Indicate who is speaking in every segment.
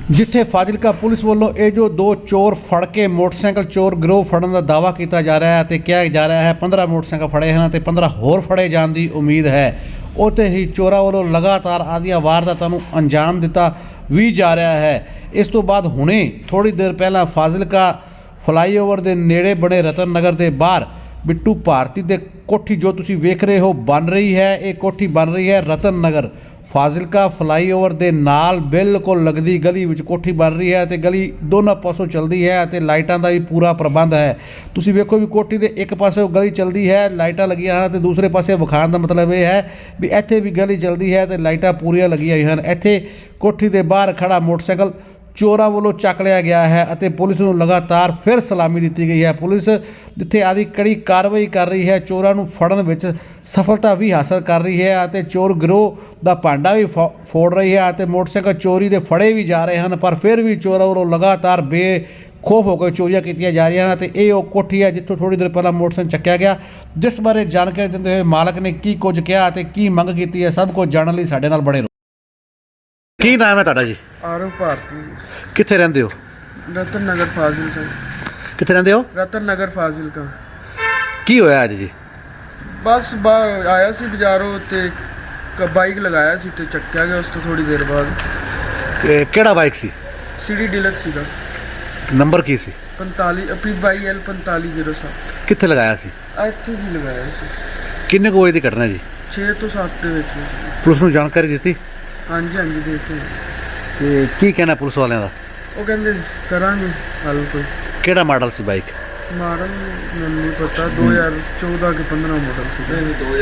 Speaker 1: ਜਿੱਥੇ ਫਾਜ਼ਿਲਕਾ ਪੁਲਿਸ ਵੱਲੋਂ ਇਹ ਜੋ ਦੋ ਚੋਰ ਫੜ ਕੇ ਮੋਟਰਸਾਈਕਲ ਚੋਰ ਗਿਰੋਹ ਫੜਨ ਦਾ ਦਾਅਵਾ ਕੀਤਾ ਜਾ ਰਿਹਾ ਹੈ ਤੇ ਕਿਹਾ ਜਾ ਰਿਹਾ ਹੈ 15 ਮੋਟਰਸਾਈਕਲ ਫੜੇ ਹਨ ਤੇ 15 ਹੋਰ ਫੜੇ ਜਾਣ ਦੀ ਉਮੀਦ ਹੈ। ਉੱਥੇ ਹੀ ਚੋਰਾਂ ਵੱਲੋਂ ਲਗਾਤਾਰ ਆਦੀਆਂ ਵਾਰਦਾਤਾਂ ਨੂੰ ਅੰਜਾਮ ਦਿੱਤਾ ਵੀ ਜਾ ਰਿਹਾ ਹੈ। ਇਸ ਤੋਂ ਬਾਅਦ ਹੁਣੇ ਥੋੜੀ ਦੇਰ ਪਹਿਲਾਂ ਫਾਜ਼ਿਲਕਾ ਫਲਾਈਓਵਰ ਦੇ ਨੇੜੇ ਬਣੇ ਰਤਨ ਨਗਰ ਦੇ ਬਾਹਰ ਬਿੱਟੂ ਭਾਰਤੀ ਦੇ ਕੋਠੀ ਜੋ ਤੁਸੀਂ ਵੇਖ ਰਹੇ ਹੋ ਬਣ ਰਹੀ ਹੈ। ਇਹ ਕੋਠੀ ਬਣ ਰਹੀ ਹੈ ਰਤਨ ਨਗਰ ਫਾਜ਼ਿਲਕਾ ਫਲਾਈਓਵਰ ਦੇ ਨਾਲ ਬਿਲਕੁਲ ਲੱਗਦੀ ਗਲੀ ਵਿੱਚ ਕੋਠੀ ਬਣ ਰਹੀ ਹੈ ਤੇ ਗਲੀ ਦੋਨਾਂ ਪਾਸੋਂ ਚੱਲਦੀ ਹੈ ਅਤੇ ਲਾਈਟਾਂ ਦਾ ਵੀ ਪੂਰਾ ਪ੍ਰਬੰਧ ਹੈ। ਤੁਸੀਂ ਵੇਖੋ ਵੀ ਕੋਠੀ ਦੇ ਇੱਕ ਪਾਸੇ ਗਲੀ ਚੱਲਦੀ ਹੈ, ਲਾਈਟਾਂ ਲੱਗੀਆਂ ਹਨ ਤੇ ਦੂਸਰੇ ਪਾਸੇ ਵਿਖਾਉਣ ਦਾ ਮਤਲਬ ਇਹ ਹੈ ਵੀ ਇੱਥੇ ਵੀ ਗਲੀ ਚੱਲਦੀ ਹੈ ਤੇ ਲਾਈਟਾਂ ਪੂਰੀਆਂ ਲੱਗੀਆਂ ਹੋਈਆਂ ਹਨ। ਇੱਥੇ ਕੋਠੀ ਦੇ ਬਾਹਰ ਖੜਾ ਮੋਟਰਸਾਈਕਲ ਚੋਰਾਂ ਵੱਲੋਂ ਚੱਕ ਲਿਆ ਗਿਆ ਹੈ ਅਤੇ ਪੁਲਿਸ ਨੂੰ ਲਗਾਤਾਰ ਫਿਰ ਸਲਾਮੀ ਦਿੱਤੀ ਗਈ ਹੈ। ਪੁਲਿਸ ਜਿੱਥੇ ਆਦੀ ਕੜੀ ਕਾਰਵਾਈ ਕਰ ਰਹੀ ਹੈ, ਚੋਰਾਂ ਨੂੰ ਫੜਨ ਵਿੱਚ ਸਫਲਤਾ ਵੀ ਹਾਸਲ ਕਰ ਰਹੀ ਹੈ ਅਤੇ ਚੋਰ ਗਿਰੋਹ ਦਾ ਭਾਂਡਾ ਵੀ ਫੋੜ ਰਹੀ ਹੈ ਅਤੇ ਮੋਟਰਸਾਈਕਲ ਚੋਰੀ ਦੇ ਫੜੇ ਵੀ ਜਾ ਰਹੇ ਹਨ, ਪਰ ਫਿਰ ਵੀ ਚੋਰਾਂ ਵੱਲੋਂ ਲਗਾਤਾਰ ਬੇਖੌਫ ਹੋ ਕੇ ਚੋਰੀਆਂ ਕੀਤੀਆਂ ਜਾ ਰਹੀਆਂ ਹਨ। ਅਤੇ ਇਹ ਉਹ ਕੋਠੀ ਹੈ ਜਿੱਥੋਂ ਥੋੜ੍ਹੀ ਦੇਰ ਪਹਿਲਾਂ ਮੋਟਰਸਾਈਕਲ ਚੱਕਿਆ ਗਿਆ, ਜਿਸ ਬਾਰੇ ਜਾਣਕਾਰੀ ਦਿੰਦੇ ਹੋਏ ਮਾਲਕ ਨੇ ਕੀ ਕੁਝ ਕਿਹਾ ਅਤੇ ਕੀ ਮੰਗ ਕੀਤੀ ਹੈ, ਸਭ ਕੁਝ ਜਾਣਨ ਲਈ ਸਾਡੇ ਨਾਲ ਬਣੇ ਰਹੋ। ਕੀ ਨਾਮ ਹੈ ਤੁਹਾਡਾ ਜੀ?
Speaker 2: ਆਰਵ ਭਾਰਤੀ।
Speaker 1: ਕਿੱਥੇ ਰਹਿੰਦੇ ਹੋ?
Speaker 2: ਰਤਨ ਨਗਰ ਫਾਜ਼ਿਲਕਾ।
Speaker 1: ਕਿੱਥੇ ਰਹਿੰਦੇ ਹੋ?
Speaker 2: ਰਤਨ ਨਗਰ ਫਾਜ਼ਿਲਕਾ।
Speaker 1: ਕੀ ਹੋਇਆ ਅੱਜ ਜੀ?
Speaker 2: ਬਸ ਆਇਆ ਸੀ ਬਾਜ਼ਾਰੋਂ ਤੇ ਬਾਈਕ ਲਗਾਇਆ ਸੀ ਤੇ ਚੱਕਿਆ ਗਿਆ। ਉਸ ਤੋਂ ਥੋੜੀ ਦੇਰ ਬਾਅਦ
Speaker 1: ਇਹ ਕਿਹੜਾ ਬਾਈਕ ਸੀ?
Speaker 2: ਸੀਡੀ ਡੀਲਕਸ ਸੀਗਾ।
Speaker 1: ਨੰਬਰ ਕੀ ਸੀ?
Speaker 2: 45 PL 4507।
Speaker 1: ਕਿੱਥੇ ਲਗਾਇਆ ਸੀ?
Speaker 2: ਇੱਥੇ ਹੀ ਲਗਾਇਆ ਸੀ।
Speaker 1: ਕਿੰਨੇ ਕੁ ਵਜੇ ਦੀ ਘਟਨਾ ਜੀ?
Speaker 2: 6 ਤੋਂ 7 ਦੇ ਵਿੱਚ।
Speaker 1: ਪੁਲਿਸ ਨੂੰ ਜਾਣਕਾਰੀ ਦਿੱਤੀ?
Speaker 2: ਹਾਂਜੀ ਦੇਖੋ।
Speaker 1: ਤੇ ਕੀ ਕਹਿਣਾ ਪੁਲਿਸ ਵਾਲਿਆਂ ਦਾ?
Speaker 2: ਉਹ ਕਹਿੰਦੇ ਕਰਾਂਗੇ ਹੱਲ ਕੋਈ।
Speaker 1: ਕਿਹੜਾ ਮਾਡਲ ਸੀ ਬਾਈਕ?
Speaker 2: ਮਾਡਲ ਮੈਨੂੰ ਨਹੀਂ ਪਤਾ, 2014 ਕਿ 15 ਮਾਡਲ ਸੀ।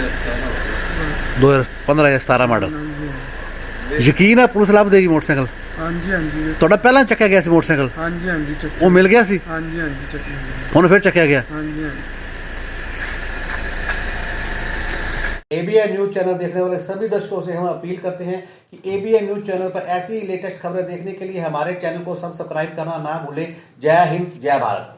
Speaker 1: 2015 ਜਾਂ 17 ਮਾਡਲ। ਯਕੀਨ ਹੈ ਪੁਲਿਸ ਲੱਭ ਦੇਗੀ ਮੋਟਰਸਾਈਕਲ?
Speaker 2: ਹਾਂਜੀ।
Speaker 1: ਤੁਹਾਡਾ ਪਹਿਲਾਂ ਚੱਕਿਆ ਗਿਆ ਸੀ ਮੋਟਰਸਾਈਕਲ?
Speaker 2: ਹਾਂਜੀ ਚੱਕਿਆ।
Speaker 1: ਉਹ ਮਿਲ ਗਿਆ ਸੀ?
Speaker 2: ਹਾਂਜੀ ਚੱਕਿਆ।
Speaker 1: ਹੁਣ ਫਿਰ ਚੱਕਿਆ ਗਿਆ?
Speaker 2: ਹਾਂਜੀ।
Speaker 1: ABN न्यूज़ चैनल देखने वाले सभी दर्शकों से हम अपील करते हैं कि ABN न्यूज़ चैनल पर ऐसी ही लेटेस्ट खबरें देखने के लिए हमारे चैनल को सब्सक्राइब करना ना भूलें। जय हिंद, जय भारत।